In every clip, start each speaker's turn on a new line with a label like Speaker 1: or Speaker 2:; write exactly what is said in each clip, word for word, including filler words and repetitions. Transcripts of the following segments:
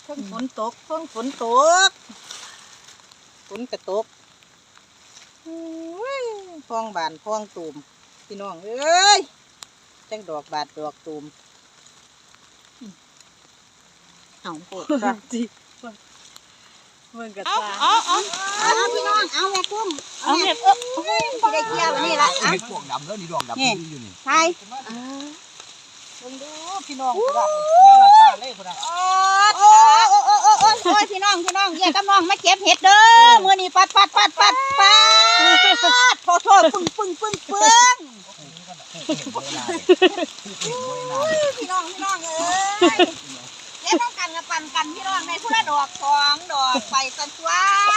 Speaker 1: เพิ่งฝนตกเพิ่งฝนตกฝนกระตกพองบานพองตูมพี่น้องเอ้ยจังดอกบาดดอกตูมเอาโคตรจีเมืองกระตาเอาเอาเอาพี่น้องเอาแม่กุ้งเอาแม่เออได้เกี่ยวนี่ละอ่ะ
Speaker 2: ดอกดำแล้วนี่ดอกดำนี่อยู่นี่
Speaker 1: ใช่ลองดูพี่น้องคนละแม่ละตาเล่คนละโอ้โอ้โอ้โอ้โอ้โอ้ยพี่น้องพี่น้องแยกกับน้องมาเก็บเห็ดเด้อมื้อนี้ปัดปัดปัดปัดปัดโทษโทษปึ้งปึ้งปึ้งปึ้งพี่น้องพี่น้องเอ้ยเก็บต้องกันกับปั่นกันพี่น้องในผู้ละดอกสองดอกไปสันตัว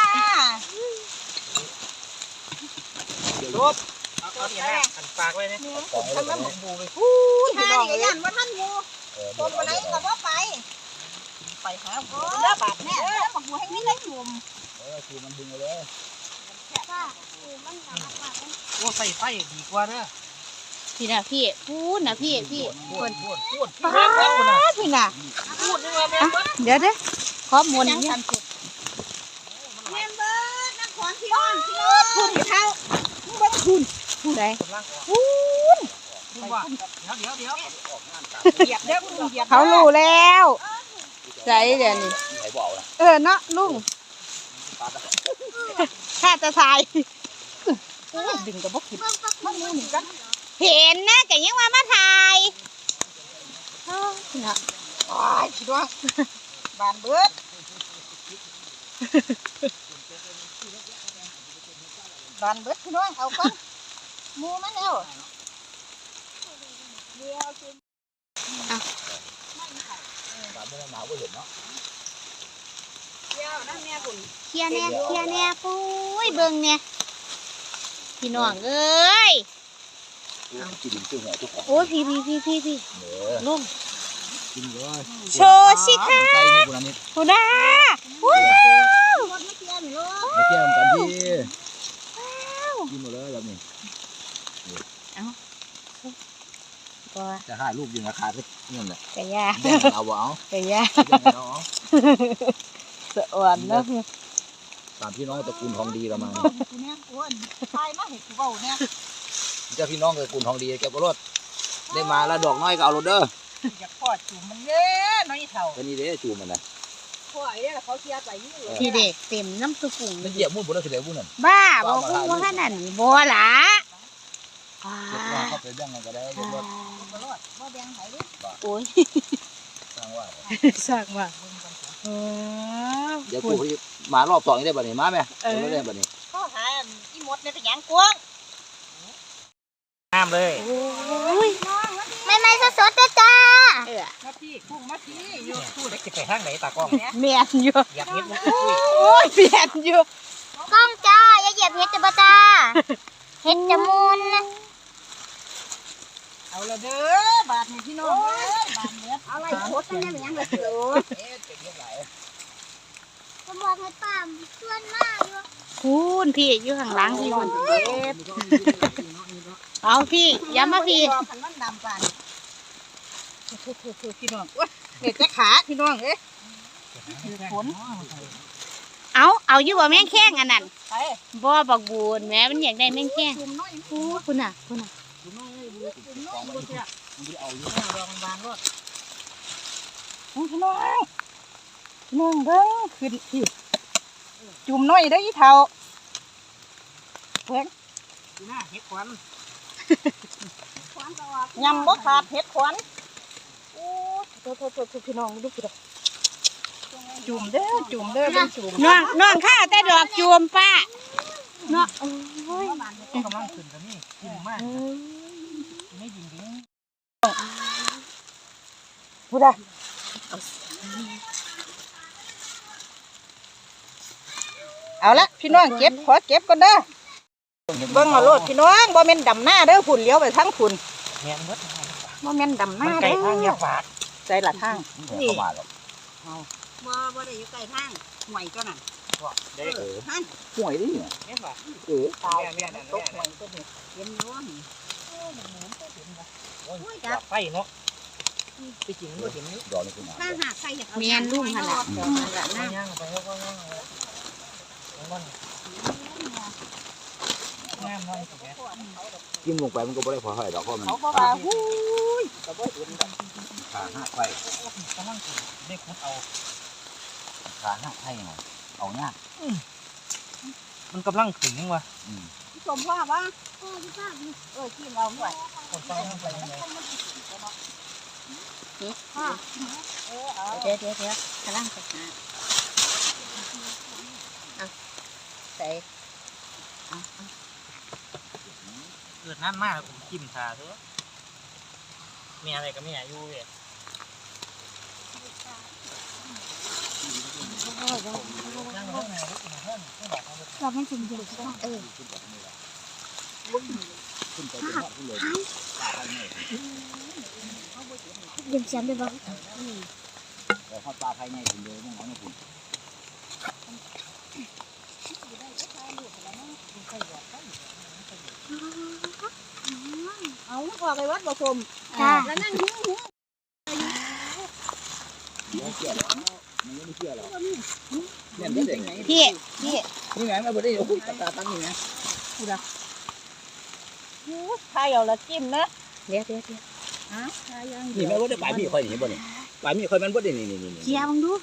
Speaker 1: รูปเอาเอาเนี่ยหันปากไว้เนี่ยทำน้ำหมูไปพูดพี่น้องยันว่าท่านงูตรงไหนก็ว่าไปไปหาหมูเด้อบาดแม่เด้อหมูให้นี่ได้หนุ่ม
Speaker 2: เออคือมันดึงเลย
Speaker 3: ค่ะคือมันหนักมากเลย
Speaker 4: โอ้ใส่ไฟดีกว่าเด้อ
Speaker 3: พี่นะพี่พูดนะพี่พี่
Speaker 4: พูดพูดพูด
Speaker 1: ป้าพี่น่ะ
Speaker 4: พูดนี่ว่าแม่น
Speaker 1: เดี๋ยวเด้อ
Speaker 3: ขอมนต์เนี่ย
Speaker 1: แม่เบิร์ดนักขอนพี่น้องพี่น้องคุณเท้าเบิ้งคุณคุณไหน
Speaker 4: กำลังออก
Speaker 1: คุณ
Speaker 4: พูดว่าเดี๋ยวเดี๋ยวเดี๋ยว
Speaker 1: เหยียบเด้อคุณเหยียบเขารู้แล้วใจเดี๋ยวนี้
Speaker 2: ไหนบอกนะ
Speaker 1: เออเนาะลุงแค่จะทายดึงกับพวกขิดมันมือหนึ่งกัน
Speaker 3: เห็นนะแต่ยังว่ามาถ่าย
Speaker 1: นะโอ้ยพี่น้องบานเบิดบานเบิดพี่น้องเอาก่อนมูมันแล้วเดี๋ยวกิน
Speaker 2: ตามไม่ได้หนาวก็เห็นเนาะ
Speaker 1: เดี๋ยวนั่นแม่คุณ
Speaker 3: เคลียร์แน่เคลียร์แน่ปุ้ยเบิ่งเนี่ยพี่น้องเอ้ย
Speaker 2: กินตัวหัวตัวของ
Speaker 3: โอ้ยพี่พี่พี่พี่พี่
Speaker 2: เนื้อ
Speaker 3: ลุง
Speaker 2: กินเลย
Speaker 3: โชว์สิคะ
Speaker 2: ใส่นี่กูนี่
Speaker 3: คุณน้าว้าว
Speaker 1: รถไม่เกี่ยวหนู
Speaker 2: มาเกี่ยวกันที่กินหมดเลยแบบนี้
Speaker 3: ก็
Speaker 2: จะหาลูกยิงราคาสักเงินแหละ
Speaker 3: ไก่ย่า
Speaker 2: แบ่งเอาเอา
Speaker 3: ไก่ย่า
Speaker 2: แบ่งเอา
Speaker 1: สะอ่อนนะ
Speaker 2: ตามพี่น้องตระกูลทองดีเรามา
Speaker 1: คุณเนี่ยอ้วนทายมาเห็ดกูเบาเนี่ย
Speaker 2: เจ้าพี่น้องตระกูลทองดีแกก็รถได้มาแล้วดอกน้อยก็เอารถเด้อ
Speaker 1: อยากพอดจุ่มมันเยอะน้อยเท่า
Speaker 2: ก็นี่เด้จูมันนะ
Speaker 1: พ่อไอ้เนี่ยเขาเชียร์ไปนี่เลย
Speaker 3: พี่เด็กเต็มน้ำตุกุ่ง
Speaker 2: มันเหยียบมุ่นบนรถเฉลี่ยมุ่นนั่น
Speaker 3: บ้าบอกคุณว่าขนาดนี้บัวหลา
Speaker 2: เด็กน้องเข้าไปแบ่งกันก็ได้รถ
Speaker 1: ตลอดว่าแบงไหนดิ
Speaker 3: โอ้ย
Speaker 2: สร้างว่า
Speaker 1: สร้างว่าเออ
Speaker 2: เดี๋ยวกูมารอบสองได้บ่เนี่ยมาไหมไม่ได้บ่เนี่ย
Speaker 1: ข้อหาอีมดในตะยางกวง
Speaker 4: น้ำเลย
Speaker 3: โอ้ยไม่ไม่สดสดๆจ้าเออ
Speaker 1: มาพี่กุ้งมาพี่อยู่
Speaker 4: พูดได้จะไปทางไหนตากล้อง
Speaker 3: เมียนอยู่
Speaker 4: อยากเห็นมันคุย
Speaker 3: โอ้ยเมียนอยู่กล้องจ้าอย่าเหยียบเห็ดจ้าจ้าเห็ดจะมุนนะ
Speaker 1: เอาละเด้อบาทนี่พี่น้องเอ้ยบาทเนี้ยเอาอะไรโคตรนั่นยังเลยโอ้
Speaker 2: เอ๊ะเยอะหลาย
Speaker 3: ผมบอกให้ป้ามชวนมากอยู่คุณพี่อยู่ข้างหลังพี่คนเอาพี่ย้ำมาพี่
Speaker 1: ขันมันดำปานพี่น้องเด็กจะขาพี่น้องเอ้ยฝน
Speaker 3: เอาเอาอยู่บ่แม่งแข้งอันนั้น
Speaker 1: ไป
Speaker 3: บ่บักบูนแม่มันอยากได้แม่งแข้ง
Speaker 1: จุ่มน้อย
Speaker 3: โอ้คุณน่ะคุณน่ะ
Speaker 1: จุ่มน้อยจุ่มน้อยดูสิอ่ะ
Speaker 2: มันจะเอาอยู่
Speaker 1: รองบางรถพี่น้องพี่น้องเด้อขึ้นพี่จุ่มน้อยได้อีเท่าเพิ่ง
Speaker 4: หน้าเห็ดควัน
Speaker 1: ยำบ่ขาดเห็ดขวัญโอ้โทษโทษโทษพี่น้องดูพี่น้องจุ่มเด้อจุ่มเด้อเป็นจุ่ม
Speaker 3: น้องน้องข้าแต่ดอกจูมป้าเนาะโอ้ย
Speaker 4: กำลังขึ้นกันนี่กินมากไม่ยิงยิง
Speaker 1: พูดได้เอาละพี่น้องเก็บขอเก็บก่อนเด้อเบิ่งเอาโลดพี่น้องบ่แม่นดำหน้าเด้อฝุ่นเลี้ยวไปทางฝุ่น
Speaker 4: แม่นเบิด
Speaker 1: บ่แม่นดำห
Speaker 4: มัน
Speaker 1: น้า
Speaker 4: ไก่
Speaker 1: เด้อ
Speaker 4: ทางยาฝาด
Speaker 1: ใจละทาง
Speaker 2: เข้ามาหรอก
Speaker 1: บ่บ่ได้อยู่ใกล้ทางห่วยก็นั่น
Speaker 4: เด็ก
Speaker 1: หั่น
Speaker 2: ห่วยดิเนี่ย
Speaker 4: แม่ฝาด
Speaker 2: เออ
Speaker 1: ตาย
Speaker 4: แม่แม่
Speaker 1: ตกห่วยก็นี่เห็นอยู่นี่
Speaker 4: โอ้ยไฟเนาะไปจริงก็จริงนี่
Speaker 2: ดอกนี่คุณอา
Speaker 1: ถ้าหากใครอยากเอา
Speaker 3: เมียนลุงหั่นล่ะ
Speaker 1: ดอกนั่นล่ะ
Speaker 4: ไป
Speaker 1: นะ
Speaker 4: ย่างไปแล้วก็ย่างไปมันงามน้อยสิแก
Speaker 2: จิ้มลงไปมันก็บ่ได้พอเท่าไหร่ดอกเพราะมัน
Speaker 1: เขาบอกว่าหูยก็บ่เห็นดอก
Speaker 2: ขาหักไป
Speaker 4: กำลังได้คุดเอา
Speaker 2: ขาหักให้หน่อยเอายาก
Speaker 4: มันกำลังถึงวะ
Speaker 2: อืม
Speaker 1: พี่ชมว่าว่าเออกินเอาหน่อย
Speaker 4: คนไปยังไปยังไง
Speaker 1: เออเอา
Speaker 3: เดี๋ยวเดี๋ยวเดี๋ยวกำลังไปหาเอาใส่
Speaker 4: เกิดน้ำมากผมจิ้มทาเถอะมีอะไรก็ไม่อยากอยู่เว้ย
Speaker 3: เราไม่ถึงเดือดเออ
Speaker 2: ขึ้นไปเป็นว่าขึ้นเลยขาให้แน่
Speaker 3: เดี๋ยวเสียงไปบ้าง
Speaker 2: แล้วเขาปลาให้แน่คุณเลยต้องเอาเนี่ยคุณ
Speaker 1: เอาออกไปวัดบ่ชม
Speaker 3: จ้า
Speaker 1: แล้วนั่งหิ้วหิ้ว
Speaker 2: เดี๋ยวเชื่อแล้วมันไม่เชื่อหรอกเนี่ยมันเด็ก
Speaker 1: พี่พี่
Speaker 2: นี่ไงมันบ่ได้โอ้โหตาตั้งนี่ไง
Speaker 1: ใครเอาละจิ้มนะ
Speaker 3: เดี๋ยวเดี๋ยวเดี๋ยว
Speaker 1: อ่ะใครยัง
Speaker 2: นี่แม่บ่ได้ปลายมีค่อยนี่บ่นี่ปลายมีค่อยมันบ่ได้นี่นี่นี่
Speaker 3: เจียบังดู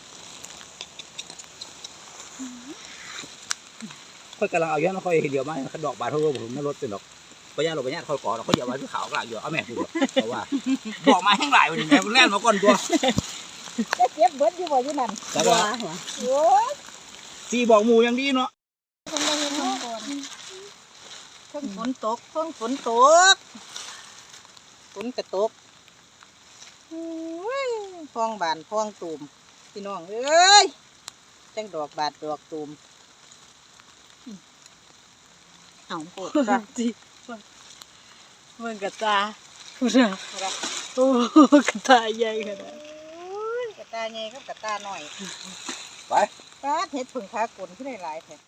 Speaker 2: ค่อยกำลังเอาเยอะนะค่อยเดียวมาดอกบานเท่าผมไม่ลดเป็นดอกปัญญาเราปัญญาค่อยก่อเราค่อยเดียวมาที่ขาวกลางอยู่เอาแม่พูดเพราะว่าบอกมาแห้งหลายวันนี้แม่แล่นมาก่อนตัว
Speaker 1: จะเก็บเบิดอยู่บ่อยู่นั่น
Speaker 2: แต่ว่า
Speaker 1: โอ้ย
Speaker 2: สีบอกหมูยังดีเนาะ
Speaker 1: คนได้เห็นน้องก่อนเพิ่งฝนตกเพิ่งฝนตกฝนกระตกโอ้ยพองบานพองตูมพี่น้องเอ้ยจังดอกบาดดอกตูม
Speaker 3: เอาโคตร
Speaker 1: จ้ะ
Speaker 3: จีเมืองกระตาพูดอะโอ้กระตาใหญ่ขนาด
Speaker 1: กระตาใหญ่กับกระตาหน่อย
Speaker 2: ไป
Speaker 1: ปาดเห็ดผึ่งขากลนขึ้นได้หลายแท้